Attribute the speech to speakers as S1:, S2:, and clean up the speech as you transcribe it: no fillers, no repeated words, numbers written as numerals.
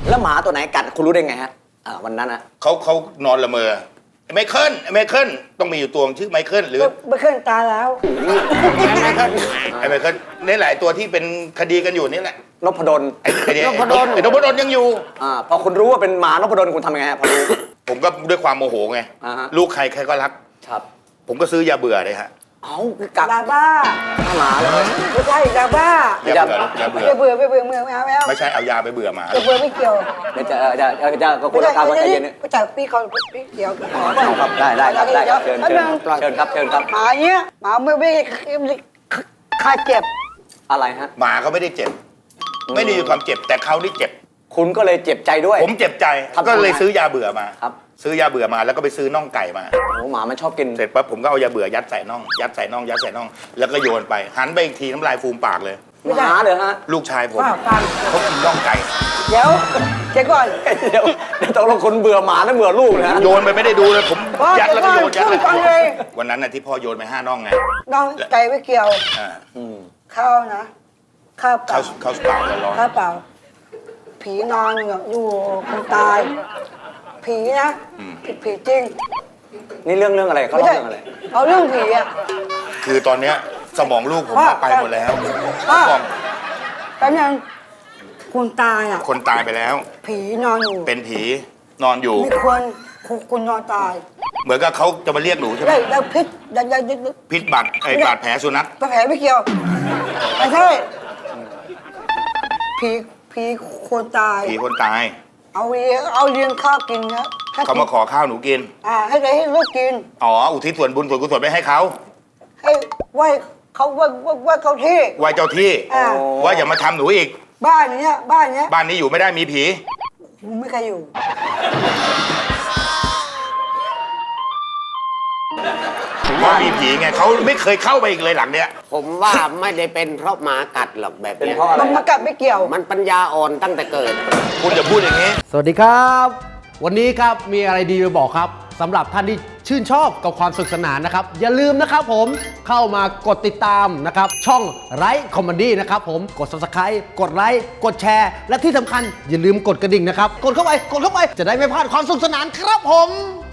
S1: แล้วหมาตัวไหนกัดคุณรู้ได้ไงฮะวันนั้นนะ
S2: เขานอนละเมอไมเคิลต้องมีอยู่ตัวชื่อไมเคิลหรือ
S3: ไมเคิลตายแล้ว
S2: ไมเคิลนี่แหละตัวที่เป็นคดีกันอยู่นี่แหละ
S1: นพดล
S2: นพดลยังอยู่
S1: พอคุณรู้ว่าเป็นหมานพดลคุณทำยังไงฮะพอรู้
S2: ผมก็ด้วยความโมโหไงลูกใครก็รัก
S1: ครับ
S2: ผมก็ซื้อยาเบื่อเลยฮะ
S1: กัด
S3: ยาบ้า
S1: หมาเลย
S3: ไม่ใช่ยาบ้ายาเบื่อ
S2: ไม่ใช่เอายาไปเบื่อหมาย
S3: าเบื่อไม่เกี่ยว
S1: จะก็คุณการว่าใจเย็น
S3: ไม่จับพี่เขาพี่เกี่ยว
S1: ครับได้เชิญครับ
S3: หมาเนี้ยหมาไม่ค่าเจ็บ
S1: อะไรฮะ
S2: หมาเขาไม่ได้เจ็บไม่ได้มีความเจ็บแต่เขานี่เจ็บ
S1: คุณก็เลยเจ็บใจด้วย
S2: ผมเจ็บใจก็เลยซื้อยาเบื่อมา
S1: ครับ
S2: ซื้อยาเบื่อมาแล้วก็ไปซื้อน่องไก่มา
S1: หมามันชอบกิน
S2: เสร็จปั๊บผมก็เอายาเบื่อยัดใส่น่องแล้วก็โยนไปหันไปอีกทีน้ำลายฟูมปากเลย
S1: หมาเลยฮะ
S2: ลูกชายผมเขากินน่องไก่
S3: เดี๋ยวก่อน
S1: ต้องลงคนเบื่อหมาแล้วเบื่อลูกนะ
S2: โยนไปไม่ได้ดูเลยผมยัดแล้วก็โยนเลยวันนั้นน่ะที่พ่อโยนไป5น่องไง
S3: น่องไก่ไม่เกี่ยวข้าวนะข้าวเปล่า
S2: ข้าวเปล่าแล้วร้อน
S3: ข้าวเปล่าผีนอนอยู่คนตายผีนะผีจริง
S1: นี่เรื่องอะไรเขาเล่าเรื่องอะไร
S3: เอาเรื่องผีอ่ะ
S2: คือตอนเนี้ยสมองลูกผมไปหมดแล้ว
S3: แป๊บนึงคนตายอ่ะ
S2: คนตายไปแล้ว
S3: ผีนอนอยู่
S2: เป็นผีนอนอยู่
S3: มีคนนอนตาย
S2: เหมือนกับเขาจะมาเรียกหนูใช่ไหม
S3: แล้ว
S2: พิษบาดแผลสุนัข
S3: แผลไม่เกี่ยวไม่ใช่ผีคนตายเอาเลี้ยงข้าวกินนะ
S2: เขามาขอข้าวหนูกิน
S3: ให้ลูกกิน
S2: อุทิศส่วนบุญส่วนกุศลไปให้เขา
S3: ให้ไหว้เขาที่
S2: ไหว้เจ้าที่ว่าอย่ามาทำหนูอีก
S3: บ้านนี้
S2: อยู่ไม่ได้มีผี
S3: ไม่ใครอยู่
S2: ว่ามีผีไงเขาไม่เคยเข้าไปอีกเลยหลังเนี้ย
S4: ผมว่าไม่ได้เป็นเพราะหมากัดหรอกแบบนี้
S3: มันมากัดไม่เกี่ยว
S4: มันปัญญาอ่อนตั้งแต่เกิด
S2: คุณอย่าพูดอย่างนี้
S5: สวัสดีครับวันนี้ครับมีอะไรดีมาบอกครับสำหรับท่านที่ชื่นชอบกับความสนุกสนานนะครับอย่าลืมนะครับผมเข้ามากดติดตามนะครับช่องไลฟ์คอมเมดี้นะครับผมกด Subscribe กดไลค์กดแชร์และที่สำคัญอย่าลืมกดกระดิ่งนะครับกดเข้าไปจะได้ไม่พลาดความสนุกสนานครับผม